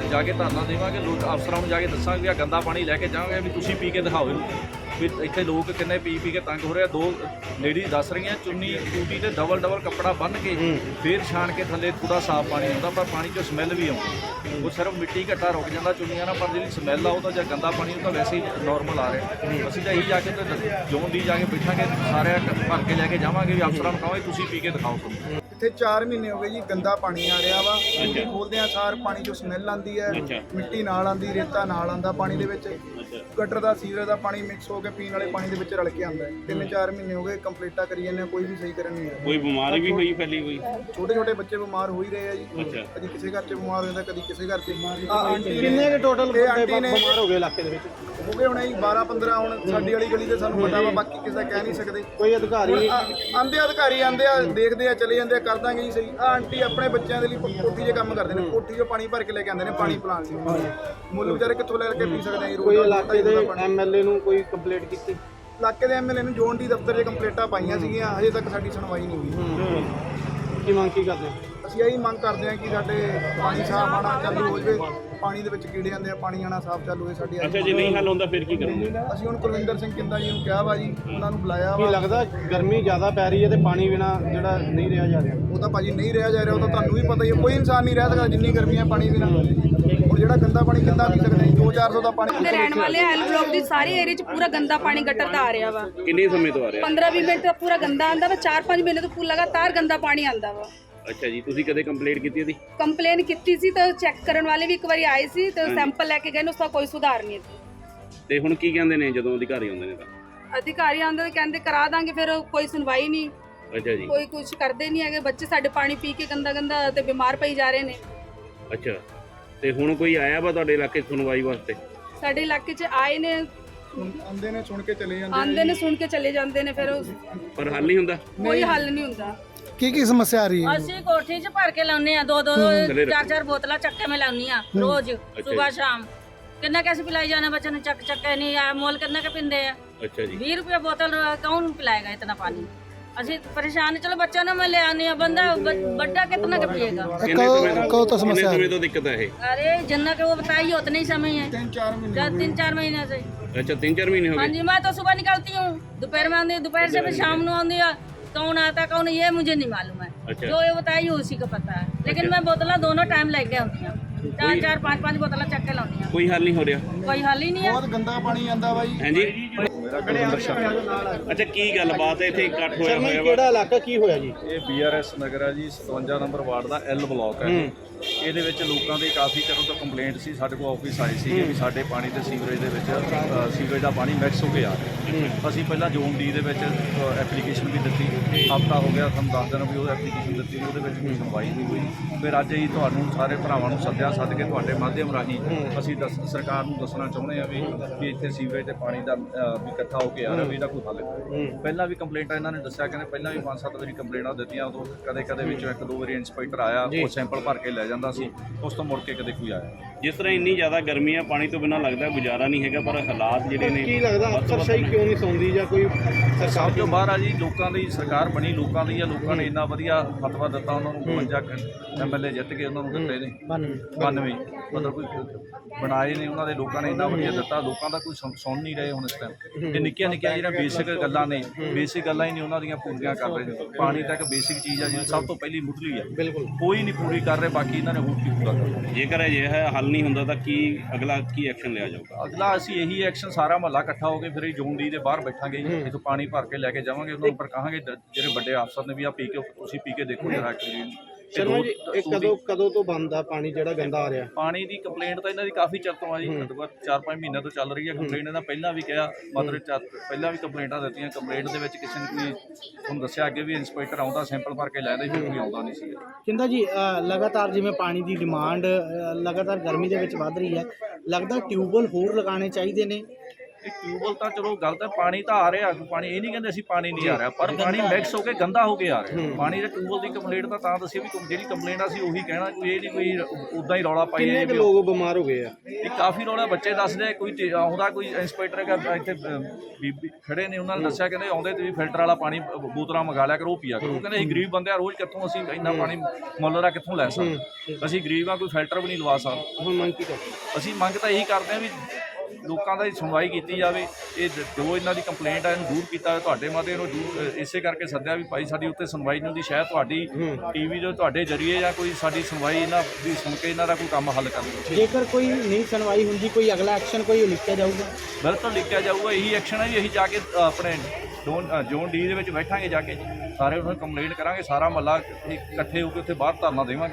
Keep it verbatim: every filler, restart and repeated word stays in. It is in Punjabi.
जाके धरना देवांगे, लोग अफसरां नूं जाके दस्सांगे भी आ गंदा पानी लैके जावांगे भी तुसीं पी के दिखाओ इहनूं भी इत्थे लोग किन्ने पी पी के तंग हो रहे आ। दो लेडीज दस रही हैं चुन्नी टूटी ते डबल डबल कपड़ा बन के फिर छाण के थल्ले पूरा साफ पानी आउंदा, पर पानी चों समैल भी आउंदी। वो सिर्फ मिट्टी घट्टा रुक जाता चुन्नियां ना, पर जी समैल आ वो तो गंदा पानी तो वैसे ही नॉर्मल आ रहा। असीं तां यही जाके जोन डी जाके बैठांगे, सारे भर के लैके जावांगे भी अफसरां नूं कहांगे तुसीं पी के दिखाओ तुम। ਇੱਥੇ ਚਾਰ ਮਹੀਨੇ ਹੋ ਗਏ ਜੀ ਗੰਦਾ ਪਾਣੀ ਆ ਰਿਹਾ ਵਾ। ਟੂਟੀ ਖੋਲਦੇ ਆ ਸਾਰ ਪਾਣੀ ਚੋਂ ਸਮੈਲ ਆਉਂਦੀ ਹੈ, ਮਿੱਟੀ ਨਾਲ ਆਉਂਦੀ, ਰੇਤਾ ਨਾਲ ਆਉਂਦਾ ਪਾਣੀ ਦੇ ਵਿੱਚ, ਗਟਰ ਦਾ ਸੀਵਰੇਜ ਦਾ ਪਾਣੀ ਮਿਕਸ ਹੋ ਕੇ ਪੀਣ ਵਾਲੇ ਪਾਣੀ ਦੇ ਵਿੱਚ ਰਲ ਕੇ ਆਉਂਦਾ ਹੈ। ਤਿੰਨ ਚਾਰ ਮਹੀਨੇ ਹੋ ਗਏ ਕੰਪਲੀਟਾਂ ਕਰੀ ਜਾਂਦੇ, ਕੋਈ ਵੀ ਸਹੀ ਕਰਨ ਨਹੀਂ ਆਇਆ। ਕੋਈ ਬਿਮਾਰੀ ਵੀ ਹੋਈ ਫੈਲੀ ਕੋਈ? ਛੋਟੇ ਛੋਟੇ ਬੱਚੇ ਬਿਮਾਰ ਹੋ ਹੀ ਰਹੇ ਆ ਜੀ, ਕਦੀ ਕਿਸੇ ਘਰ 'ਚ ਬਿਮਾਰ ਹੋ ਜਾਂਦਾ, ਕਦੀ ਕਿਸੇ ਘਰ 'ਚ। ਕਿੰਨੇ ਕੇ ਟੋਟਲ ਬਿਮਾਰ ਹੋ ਗਏ ਇਲਾਕੇ ਦੇ ਵਿੱਚ? ਹੋ ਗਏ ਹੁਣ ਜੀ ਬਾਰਾਂ ਪੰਦਰਾਂ। ਹੁਣ ਸਾਡੀ ਵਾਲੀ ਗਲੀ ਤੇ ਸਾਨੂੰ ਪਤਾ ਵਾ, ਬਾਕੀ ਕਿਸੇ ਦਾ ਕਹਿ ਨਹੀਂ ਸਕਦੇ। ਕੋਈ ਅਧਿਕਾਰੀ ਆਂਦੇ ਅਧਿਕਾਰੀ ਆਂਦੇ ਆ, ਦੇਖਦੇ ਆ, ਚਲੇ ਜਾਂਦੇ ਆ, ਕਰ ਦਾਂਗੇ ਜੀ ਸਹੀ। ਆ ਆਂਟੀ ਆਪਣੇ ਬੱਚਿਆਂ ਦੇ ਲਈ ਕੋਠੀ 'ਚ ਕੰਮ ਕਰਦੇ ਨੇ, ਕੋਠੀ 'ਚੋਂ ਪਾਣੀ ਭਰ ਕੇ ਲੈ ਕੇ ਆਉਂਦੇ ਨੇ ਪਾਣੀ ਪਿਲਾਉਣ ਲਈ। ਮੁੱਲ ਵਿਚਾਰੇ ਕਿੱਥੋਂ ਲੈ ਕੇ ਪੀ ਸਕਦੇ ਆ ਜੀ? ਕੋਈ ਇਲਾਕੇ ਦੇ ਐਮਐਲਏ ਨੂੰ ਕੋਈ ਕੰਪਲੇਂਟ ਕੀਤੀ? ਇਲਾਕੇ ਦੇ ਐਮਐਲਏ ਨੂੰ ਜੋਨ ਡੀ ਦਫ਼ਤਰ 'ਚ ਕੰਪਲੇਂਟਾਂ ਪਾਈਆਂ ਸੀਗੀਆਂ, ਹਜੇ ਤੱਕ ਸਾਡੀ ਸੁਣਵਾਈ ਨਹੀਂ ਹੋਈ। ਕੀ ਮੰਗ ਕੀ ਕਰਦੇ? ਅਸੀਂ ਇਹੀ ਮੰਗ ਕਰਦੇ ਹਾਂ ਕਿ ਸਾਡੇ ਪਾਣੀ ਸਾਫ਼ ਆਉਣਾ ਚਾਲੂ ਹੋ ਜਾਵੇ, ਪਾਣੀ ਦੇ ਵਿੱਚ ਕੀੜੇ ਆਉਂਦੇ ਆ, ਪਾਣੀ ਆਉਣਾ ਸਾਫ਼ ਚਾਲੂ ਹੋਏ ਸਾਡੀ। ਅੱਛਾ, ਜੇ ਨਹੀਂ ਹੱਲ ਹੁੰਦਾ ਫਿਰ ਕੀ ਕਰੋਗੇ? ਅਸੀਂ ਹੁਣ ਕੁਲਵਿੰਦਰ ਸਿੰਘ ਕਿੰਦਾ ਜੀ ਨੂੰ ਕਿਹਾ ਵਾ ਜੀ, ਉਹਨਾਂ ਨੂੰ ਬੁਲਾਇਆ ਕੀ ਵਾ। ਲੱਗਦਾ ਗਰਮੀ ਜ਼ਿਆਦਾ ਪੈ ਰਹੀ ਹੈ ਤੇ ਪਾਣੀ ਬਿਨਾ ਜਿਹੜਾ ਨਹੀਂ ਰਿਹਾ ਜਾ ਰਿਹਾ? ਉਹ ਤਾਂ ਭਾਜੀ ਨਹੀਂ ਰਿਹਾ ਜਾ ਰਿਹਾ, ਉਹ ਤਾਂ ਤੁਹਾਨੂੰ ਵੀ ਪਤਾ ਹੀ ਹੈ। ਕੋਈ ਇਨਸਾਨ ਨਹੀਂ ਰਹਿ ਸਕਦਾ ਜਿੰਨੀ ਗਰਮੀ ਹੈ ਪਾਣੀ ਬਿਨਾਂ। ਹੁਣ ਜਿਹੜਾ ਗੰਦਾ ਪਾਣੀ ਕਿੱਦਾਂ ਪੀ ਸਕਦੇ ਦੋ ਚਾਰ ਸੌ ਦਾ ਪਾਣੀ? ਦੇ ਰਹਿਣ ਵਾਲੇ ਐਲ ਬਲੌਕ ਦੀ ਸਾਰੀ ਏਰੀਆ 'ਚ ਪੂਰਾ ਗੰਦਾ ਪਾਣੀ ਗਟਰ ਦਾ ਆ ਰਿਹਾ ਵਾ। ਕਿੰਨੇ ਸਮੇਂ ਤੋਂ ਆ ਰਿਹਾ? ਪੰਦਰਾਂ ਵੀਹ ਮਿੰਟ ਤੋਂ ਪੂਰਾ ਗੰਦਾ ਆਂਦਾ ਵਾ, ਚਾਰ ਪੰਜ ਮਹੀਨੇ ਤੋਂ ਪੂਰਾ ਲਗਾਤਾਰ ਗੰਦਾ ਪਾਣੀ ਆਂਦਾ ਵਾ। ਅੱਛਾ ਜੀ, ਤੁਸੀਂ ਕਦੇ ਕੰਪਲੇਂਟ ਕੀਤੀ ਇਹਦੀ? ਕੰਪਲੇਨ ਕੀਤੀ ਸੀ ਤਾਂ ਚੈੱਕ ਕਰਨ ਵਾਲੇ ਵੀ ਇੱਕ ਵਾਰੀ ਆਏ ਸੀ ਤੇ ਸੈਂਪਲ ਲੈ ਕੇ ਗਏ ਨੇ, ਉਸ ਦਾ ਕੋਈ ਸੁਧਾਰ ਨਹੀਂ ਹੈ। ਤੇ ਹੁਣ ਕੀ ਕਹਿੰਦੇ ਨੇ ਜਦੋਂ ਅਧਿਕਾਰੀ ਆਉਂਦੇ ਨੇ ਤਾਂ? ਅਧਿਕਾਰੀ ਆਉਂਦੇ ਤੇ ਕਹਿੰਦੇ ਕਰਾ ਦਾਂਗੇ, ਫਿਰ ਕੋਈ ਸੁਣਵਾਈ ਨਹੀਂ, ਅੱਛਾ ਜੀ, ਕੋਈ ਕੁਝ ਕਰਦੇ ਨਹੀਂ ਹੈਗੇ। ਬੱਚੇ ਸਾਡੇ ਪਾਣੀ ਪੀ ਕੇ ਗੰਦਾ ਗੰਦਾ ਤੇ ਬਿਮਾਰ ਪਈ ਜਾ ਰਹੇ ਨੇ। ਅੱਛਾ, ਤੇ ਹੁਣ ਕੋਈ ਆਇਆ ਵਾ ਤੁਹਾਡੇ ਇਲਾਕੇ 'ਚ ਸੁਣਵਾਈ ਵਾਸਤੇ? ਸਾਡੇ ਇਲਾਕੇ 'ਚ ਆਏ ਨੇ, ਆਂਦੇ ਨੇ, ਸੁਣ ਕੇ ਚਲੇ ਜਾਂਦੇ ਆਂਦੇ ਨੇ, ਸੁਣ ਕੇ ਚਲੇ ਜਾਂਦੇ ਨੇ, ਫਿਰ ਪਰ ਹੱਲ ਨਹੀਂ ਹੁੰਦਾ? ਕੋਈ ਹੱਲ ਨਹੀਂ ਹੁੰਦਾ। ਕੀ ਕੀ ਸਮੱਸਿਆ ਆ ਰਹੀ ਹੈ? ਅਸੀਂ ਕੋਠੀ 'ਚ ਭਰ ਕੇ ਲਾਉਨੇ ਆ, ਦੋ ਦੋ ਚਾਰ ਚਾਰ ਬੋਤਲਾਂ ਚੱਕੇ ਮੈਂ ਲਾਉਨੀ ਆ ਰੋਜ਼, ਸਵੇਰ ਸ਼ਾਮ। ਕਿੰਨਾ ਕੈਸੇ ਪਿਲਾਈ ਜਾਣਾ ਬੱਚੇ ਨੂੰ? ਚੱਕ ਚੱਕੇ ਨਹੀਂ ਆ, ਮੋਲ ਕਿੰਨਾ ਕੇ ਪਿੰਦੇ ਆ? ਅੱਛਾ ਜੀ, बीस रुपया बोतल कौन पिलाएगा इतना पानी? ਅਸੀਂ ਪਰੇਸ਼ਾਨ। ਚਲੋ ਬੱਚਿਆਂ ਨੂੰ ਮੈਂ ਲੈ ਆਉਂਦੀ ਆ, ਬੰਦਾ ਵੱਡਾ ਕਿਤਨਾ का पिएगा? ਕਿੰਨੇ ਸਮੇਂ ਤੋਂ ਕਿੰਨੇ ਸਮੇਂ ਤੋਂ ਦਿੱਕਤ ਹੈ ਇਹ? अरे जितना के वो बताइए उतने ही समय है, ਤਿੰਨ ਚਾਰ ਮਹੀਨੇ तीन चार महीने से। ਅੱਛਾ, तीन चार महीने हो हाँ गए? जी, मैं तो सुबह निकलती हूँ, दोपहर में आती हूँ, दोपहर से फिर शाम को आती है। कौन आता कौन ये मुझे नहीं मालूम है, अच्छा। जो ये बताइए उसी को पता है। लेकिन मैं बोतल दोनों टाइम लेके आती हूँ, चार चार पाँच पाँच बोतल चक के लाती हूँ। ਕੋਈ ਹੱਲ ਨਹੀਂ ਹੋ ਰਿਹਾ? कोई हल ही नहीं है। ਬਹੁਤ ਗੰਦਾ ਪਾਣੀ ਆਂਦਾ ਵਾ ਜੀ। ਹਾਂਜੀ, ਅੱਛਾ, ਕੀ ਗੱਲਬਾਤ ਹੈ? ਇੱਥੇ ਇਕੱਠ ਹੋਇਆ ਹੋਇਆ ਵਾ? ਕਿਹੜਾ ਇਲਾਕਾ, ਕੀ ਹੋਇਆ ਜੀ? ਇਹ ਬੀਆਰਐਸ ਨਗਰ ਹੈ ਜੀ, ਸਤਵੰਜਾ ਨੰਬਰ ਵਾਰਡ ਦਾ ਐਲ ਬਲਾਕ ਹੈ। ਇਹਦੇ ਵਿੱਚ ਲੋਕਾਂ ਦੇ ਕਾਫੀ ਚਿਰ ਤੋਂ ਕੰਪਲੇਂਟ ਸੀ, ਸਾਡੇ ਕੋਲ ਆਫਿਸ ਆਏ ਸੀ ਵੀ ਸਾਡੇ ਪਾਣੀ ਤੇ ਸੀਵਰੇਜ ਦੇ ਵਿੱਚ ਅ, ਸੀਵਰੇਜ ਦਾ ਪਾਣੀ ਮਿਕਸ ਹੋ ਕੇ ਆ ਰਿਹਾ। ਅਸੀਂ ਪਹਿਲਾਂ ਜ਼ੋਨ ਡੀ ਦੇ ਵਿੱਚ ਐਪਲੀਕੇਸ਼ਨ ਵੀ ਦਿੱਤੀ, ਹਫਤਾ ਹੋ ਗਿਆ, ਤੁਹਾਨੂੰ ਦੱਸ ਦਿਨ ਵੀ ਉਹ ਐਪਲੀਕੇਸ਼ਨ ਦਿੱਤੀ, ਉਹਦੇ ਵਿੱਚ ਕੋਈ ਸੁਣਵਾਈ ਨਹੀਂ ਹੋਈ। ਫਿਰ ਅੱਜ ਅਸੀਂ ਤੁਹਾਨੂੰ ਸਾਰੇ ਭਰਾਵਾਂ ਨੂੰ ਸੱਦਿਆ, ਸੱਦ ਕੇ ਤੁਹਾਡੇ ਮਾਧਿਅਮ ਰਾਹੀਂ ਅਸੀਂ ਦੱਸ ਸਰਕਾਰ ਨੂੰ ਦੱਸਣਾ ਚਾਹੁੰਦੇ ਹਾਂ ਵੀ ਵੀ ਇੱਥੇ ਸੀਵਰੇਜ ਤੇ ਪਾਣੀ ਦਾ ਅ, ਵੀ ਇਕੱਠਾ ਹੋ ਕੇ ਆ ਰਿਹਾ, ਵੀ ਇਹਦਾ ਕੋਈ ਹੱਲ ਕਰੋ। ਪਹਿਲਾਂ ਵੀ ਕੰਪਲੇਂਟਾਂ ਇਹਨਾਂ ਨੇ ਦੱਸਿਆ, ਕਹਿੰਦੇ ਪਹਿਲਾਂ ਵੀ ਪੰਜ ਸੱਤ ਵਾਰੀ ਕੰਪਲੇਂਟਾਂ ਦਿੱਤੀਆਂ, ਉਦੋਂ ਕਦੇ ਕਦੇ ਵਿੱਚੋਂ ਇੱਕ ਦੋ ਵਾਰੀ ਇੰਸਪੈਕਟਰ ਆਇਆ, ਉਹ ਸੈਂਪਲ ਭਰ ਕੇ ਲੈ ਜਾਂਦਾ ਸੀ, ਉਸ ਤੋਂ ਮੁੜ ਕੇ ਕਦੇ ਕੋਈ ਆਇਆ। ਜਿਸ ਤਰ੍ਹਾਂ ਇੰਨੀ ਜ਼ਿਆਦਾ ਗਰਮੀ ਆ, ਪਾਣੀ ਤੋਂ ਬਿਨਾਂ ਲੱਗਦਾ ਗੁਜ਼ਾਰਾ ਨਹੀਂ ਹੈਗਾ, ਪਰ ਹਾਲਾਤ ਜਿਹੜੇ ਨੇ ਕੀ ਲੱਗਦਾ ਅਫਸਰਸ਼ਾਹੀ ਕਿਉਂ ਨਹੀਂ ਸੌਂਦੀ ਜਾਂ ਕੋਈ ਸਭ ਤੋਂ ਬਾਹਰ ਆ ਜੀ, ਲੋਕਾਂ ਦੀ ਸਰਕਾਰ ਬਣੀ, ਲੋਕਾਂ ਦੀ ਆ, ਲੋਕਾਂ ਨੇ ਇੰਨਾ ਵਧੀਆ ਫਤਵਾ ਦਿੱਤਾ, ਉਹਨਾਂ ਨੂੰ ਬਵੰਜਾ ਐਮਐਲਏ ਜਿੱਤ ਕੇ ਉਹਨਾਂ ਨੂੰ ਦਿੱਤੇ ਨੇ ਬਾਨਵੇਂ, ਮਤਲਬ ਕੋਈ ਬਣਾਏ ਨੇ ਉਹਨਾਂ ਦੇ, ਲੋਕਾਂ ਨੇ ਇੰਨਾ ਵਧੀਆ ਦਿੱਤਾ, ਲੋਕਾਂ ਦਾ ਕੋਈ ਸੁਣ ਸੁਣ ਨਹੀਂ ਰਹੇ ਹੁਣ ਇਸ ਟਾਈਮ। ਇਹ ਨਿੱਕੀਆਂ ਨਿੱਕੀਆਂ ਜਿਹੜੀਆਂ ਬੇਸਿਕ ਗੱਲਾਂ ਨੇ, ਬੇਸਿਕ ਗੱਲਾਂ ਹੀ ਨਹੀਂ ਉਹਨਾਂ ਦੀਆਂ ਪੂਰੀਆਂ ਕਰ ਰਹੇ ਨੇ। ਪਾਣੀ ਤਾਂ ਇੱਕ ਬੇਸਿਕ ਚੀਜ਼ ਆ, ਜਿਹੜੀ ਸਭ ਤੋਂ ਪਹਿਲੀ ਮੁੱਢਲੀ ਆ, ਬਿਲਕੁਲ ਕੋਈ ਨਹੀਂ ਪੂਰੀ ਕਰ ਰਹੇ, ਬਾਕੀ ਇਹਨਾਂ ਨੇ ਹੋਰ ਕੀ ਪੂਰਾ ਕਰਨਾ। ਜੇਕਰ ਅਜਿਹਾ ਹੱਲ ਨਹੀਂ ਹੁੰਦਾ ਤਾਂ ਕੀ ਅਗਲਾ ਕੀ ਐਕਸ਼ਨ ਲਿਆ ਜਾਊਗਾ? ਅਗਲਾ ਅਸੀਂ ਇਹੀ ਐਕਸ਼ਨ, ਸਾਰਾ ਮਹੱਲਾ ਇਕੱਠਾ ਹੋ ਕੇ ਫਿਰ ਇਹ ਜ਼ੋਨ ਡੀ ਦੇ ਬਾਹਰ ਬੈਠਾਂਗੇ, ਇੱਥੋਂ ਪਾਣੀ ਭਰ ਕੇ ਲੈ ਕੇ ਜਾਵਾਂਗੇ, ਉਹਨਾਂ ਨੂੰ ਪਰ ਕਹਾਂਗੇ ਜਿਹੜੇ ਵੱਡੇ ਅਫਸਰ ਨੇ ਵੀ ਆ ਪੀ ਕੇ ਤੁਸੀਂ ਪੀ ਕੇ ਦੇਖੋ ਜਰਾ ਕਿ ਸ਼ਰਮਾ ਜੀ, ਇਹ ਕਦੋਂ ਕਦੋਂ ਤੋਂ ਬੰਦ ਆ ਪਾਣੀ ਜਿਹੜਾ ਗੰਦਾ ਆ ਰਿਹਾ? ਪਾਣੀ ਦੀ ਕੰਪਲੇਂਟ ਤਾਂ ਇਹਨਾਂ ਦੀ ਕਾਫੀ ਚਿਰ ਤੋਂ ਆ ਜੀ, ਘੱਟੋ ਘੱਟ ਚਾਰ ਪੰਜ ਮਹੀਨਿਆਂ ਤੋਂ ਚੱਲ ਰਹੀ ਹੈ ਕੰਪਲੇਂਟ। ਇਹਨਾਂ ਪਹਿਲਾਂ ਵੀ ਕਿਹਾ, ਮਤਲਬ ਚਾਰ ਪਹਿਲਾਂ ਵੀ ਕੰਪਲੇਂਟਾਂ ਦਿੱਤੀਆਂ। ਕੰਪਲੇਂਟ ਦੇ ਵਿੱਚ ਕਿਸੇ ਨੇ ਕੋਈ ਤੁਹਾਨੂੰ ਦੱਸਿਆ ਅੱਗੇ ਵੀ ਇੰਸਪੈਕਟਰ ਆਉਂਦਾ, ਸੈਂਪਲ ਭਰ ਕੇ ਲੈ ਜਾਂਦਾ, ਫਿਰ ਕੋਈ ਆਉਂਦਾ ਨਹੀਂ ਸੀ। ਕਿੰਦਾ ਜੀ, ਲਗਾਤਾਰ ਜਿਵੇਂ ਪਾਣੀ ਦੀ ਡਿਮਾਂਡ ਲਗਾਤਾਰ ਗਰਮੀ ਦੇ ਵਿੱਚ ਵੱਧ ਰਹੀ ਹੈ, ਲੱਗਦਾ ਟਿਊਬਵੈੱਲ ਹੋਰ ਲਗਾਉਣੇ ਚਾਹੀਦੇ ਨੇ ਇਹ ਟਿਊਬਵੈੱਲ ਤਾਂ ਚਲੋ ਗੱਲ ਤਾਂ ਪਾਣੀ ਤਾਂ ਆ ਰਿਹਾ, ਪਾਣੀ ਇਹ ਨਹੀਂ ਕਹਿੰਦੇ ਅਸੀਂ ਪਾਣੀ ਨਹੀਂ ਆ ਰਿਹਾ, ਪਰ ਪਾਣੀ ਮਿਕਸ ਹੋ ਕੇ ਗੰਦਾ ਹੋ ਕੇ ਆ ਰਿਹਾ। ਪਾਣੀ ਦੇ ਟਿਊਬਵੈੱਲ ਦੀ ਕੰਪਲੇਂਟ ਤਾਂ ਤਾਂ ਦੱਸੀ ਵੀ ਜਿਹੜੀ ਕੰਪਲੇਂਟ ਆ ਸੀ ਉਹੀ ਕਹਿਣਾ, ਕੋਈ ਇਹ ਨਹੀਂ ਕੋਈ ਉਦਾਂ ਹੀ ਰੌਲਾ ਪਾਈ ਕਿੰਨੇ ਕੁ ਲੋਕ ਬਿਮਾਰ ਹੋ ਗਏ ਆ? ਇਹ ਕਾਫੀ ਰੌਲਾ ਬੱਚੇ ਦੱਸਦੇ, ਕੋਈ ਤੇ ਆਉਂਦਾ ਕੋਈ ਇੰਸਪੈਕਟਰ ਹੈਗਾ ਇੱਥੇ ਅ, ਬੀਬੀ ਖੜੇ ਨੇ, ਉਹਨਾਂ ਨੇ ਦੱਸਿਆ ਕਹਿੰਦੇ ਆਉਂਦੇ ਤੁਸੀਂ ਫਿਲਟਰ ਵਾਲਾ ਪਾਣੀ ਅ, ਬੋਤਲਾਂ ਮੰਗਾ ਲਿਆ ਕਰੋ, ਉਹ ਪੀਆ ਕਰੋ। ਉਹ ਕਹਿੰਦੇ ਅਸੀਂ ਗਰੀਬ ਬੰਦੇ ਆ, ਰੋਜ਼ ਕਿੱਥੋਂ ਅਸੀਂ ਇੰਨਾ ਪਾਣੀ ਮੁੱਲ ਦਾ ਕਿੱਥੋਂ ਲੈ ਸਕਦੇ, ਅਸੀਂ ਗਰੀਬ ਆ, ਕੋਈ ਫਿਲਟਰ ਵੀ ਨਹੀਂ ਲਵਾ ਸਕਦੇ। ਹੁਣ ਮੰਗ ਕੀ ਕਰਦੇ? ਅਸੀਂ ਮੰਗ ਤਾਂ ਇਹੀ ਕਰਦੇ ਹਾਂ ਵੀ ਲੋਕਾਂ ਦੀ ਸੁਣਵਾਈ ਕੀਤੀ ਜਾਵੇ, ਇਹ ਜੋ ਇਹਨਾਂ ਦੀ ਕੰਪਲੇਂਟ ਹੈ ਇਹਨੂੰ ਦੂਰ ਕੀਤਾ ਜਾਵੇ। ਤੁਹਾਡੇ ਮਾਤੇ ਇਹਨੂੰ ਦੂਰ ਇਸੇ ਕਰਕੇ ਸੱਦਿਆ ਵੀ ਭਾਈ ਸਾਡੀ ਉੱਤੇ ਸੁਣਵਾਈ ਨਹੀਂ ਹੁੰਦੀ, ਸ਼ਾਇਦ ਤੁਹਾਡੀ ਟੀਵੀ ਜੋ ਤੁਹਾਡੇ ਜਰੀਏ ਜਾਂ ਕੋਈ ਸਾਡੀ ਸੁਣਵਾਈ ਇਹਨਾਂ ਦੀ ਸੁਣ ਕੇ ਇਹਨਾਂ ਦਾ ਕੋਈ ਕੰਮ ਹੱਲ ਕਰ ਦਿਓ। ਜੇਕਰ ਕੋਈ ਨਹੀਂ ਸੁਣਵਾਈ ਹੁੰਦੀ, ਕੋਈ ਅਗਲਾ ਐਕਸ਼ਨ ਕੋਈ ਲਿਖਿਆ ਜਾਊਗਾ? ਬਿਲਕੁਲ ਲਿਖਿਆ ਜਾਊਗਾ, ਇਹੀ ਐਕਸ਼ਨ ਹੈ ਜੀ। ਅਸੀਂ ਜਾ ਕੇ ਅ, ਆਪਣੇ ਜ਼ੋਨ ਅ, ਜ਼ੋਨ ਡੀ ਦੇ ਵਿੱਚ ਬੈਠਾਂਗੇ, ਜਾ ਕੇ ਸਾਰੇ ਉਹਨਾਂ ਨੂੰ ਕੰਪਲੇਂਟ ਕਰਾਂਗੇ, ਸਾਰਾ ਮਹੱਲਾ ਇਕੱਠੇ ਹੋ ਕੇ ਉੱਥੇ ਬਾਹਰ ਧਰਨਾ ਦੇਵਾਂਗੇ।